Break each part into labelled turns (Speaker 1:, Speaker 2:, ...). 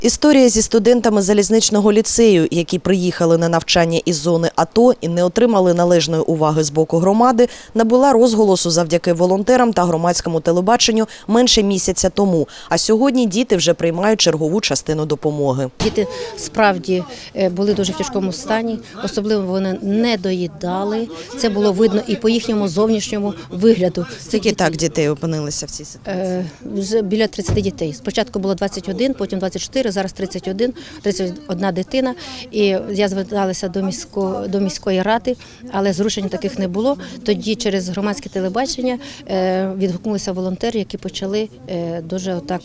Speaker 1: Історія зі студентами залізничного ліцею, які приїхали на навчання із зони АТО і не отримали належної уваги з боку громади, набула розголосу завдяки волонтерам та громадському телебаченню менше місяця тому. А сьогодні діти вже приймають чергову частину допомоги.
Speaker 2: Діти справді були дуже в тяжкому стані, особливо вони не доїдали. Це було видно і по їхньому зовнішньому вигляду.
Speaker 1: Скільки так дітей опинилися в цій ситуації?
Speaker 2: Вже біля 30 дітей. Спочатку було 21, потім 24, зараз 31 дитина. І я зверталася до міської ради, але зрушень таких не було. Тоді через громадське телебачення відгукнулися волонтери, які почали дуже отак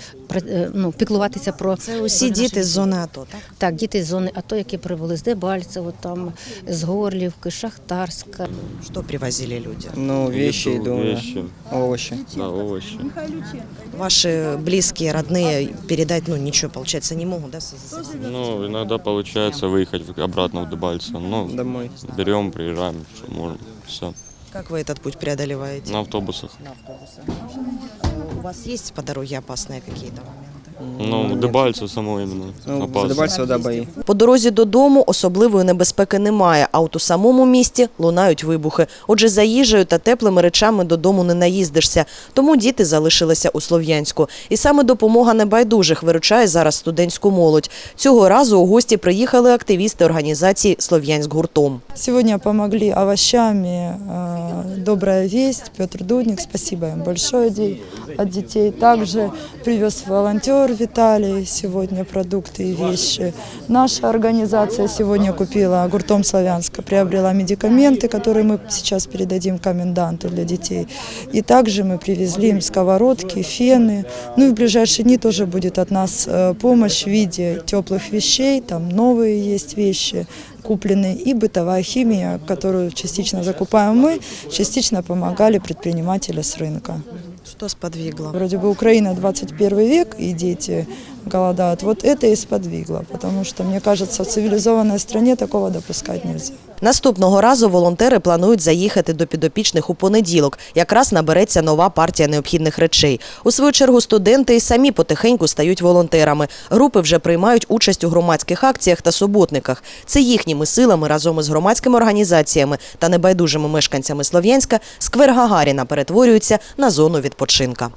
Speaker 2: піклуватися про...
Speaker 1: Це усі діти з зони АТО, так?
Speaker 2: Так, діти з зони АТО, які прибули з Дебальцево, там, з Горлівки, Шахтарська.
Speaker 1: Що привозили люди?
Speaker 3: Ну, вещи, еду, овощи.
Speaker 4: Да, овощи.
Speaker 1: Ваши близкие, родные передать, ничего, получается, не могут, да?
Speaker 4: Ну, иногда получается выехать обратно в Дебальцево. Ну,
Speaker 3: Домой.
Speaker 4: берем, приезжаем, что можем, все.
Speaker 1: Как вы этот путь преодолеваете?
Speaker 4: На автобусах.
Speaker 1: На автобусах. У вас есть по дороге опасные какие-то моменты?
Speaker 4: Ну, в Дебальцево само именно
Speaker 3: Ну,
Speaker 4: опасно.
Speaker 3: за Дебальцево, да, бои.
Speaker 1: По дорозі додому особливої небезпеки немає, а от у самому місті лунають вибухи. Отже, за їжею та теплими речами додому не наїздишся. Тому діти залишилися у Слов'янську. І саме допомога небайдужих виручає зараз студентську молодь. Цього разу у гості приїхали активісти організації «Слов'янськ гуртом».
Speaker 5: Сегодня помогли овощами «Добрая весть», Петр Дудник, спасибо им большое от детей. Также привез волонтер Виталий сегодня продукты и вещи. Наша организация сегодня купила гуртом Славянска, приобрела медикаменты, которые мы сейчас передадим коменданту для детей. И также мы привезли им сковородки, фены. Ну и в ближайшие дни тоже будет от нас помощь в виде теплых вещей, там новые есть вещи купленные, и бытовая химия, которую частично закупаем мы, частично помогали предприниматели с рынка.
Speaker 1: Что сподвигло?
Speaker 5: Вроде бы Украина 21 век, и дети голодают. Вот это и сподвигло, потому что, мне кажется, в цивилизованной стране такого допускать нельзя.
Speaker 1: Наступного разу волонтери планують заїхати до підопічних у понеділок. Якраз набереться нова партія необхідних речей. У свою чергу студенти і самі потихеньку стають волонтерами. Групи вже приймають участь у громадських акціях та суботниках. Це їхніми силами разом із громадськими організаціями та небайдужими мешканцями Слов'янська сквер Гагаріна перетворюється на зону відпочинка.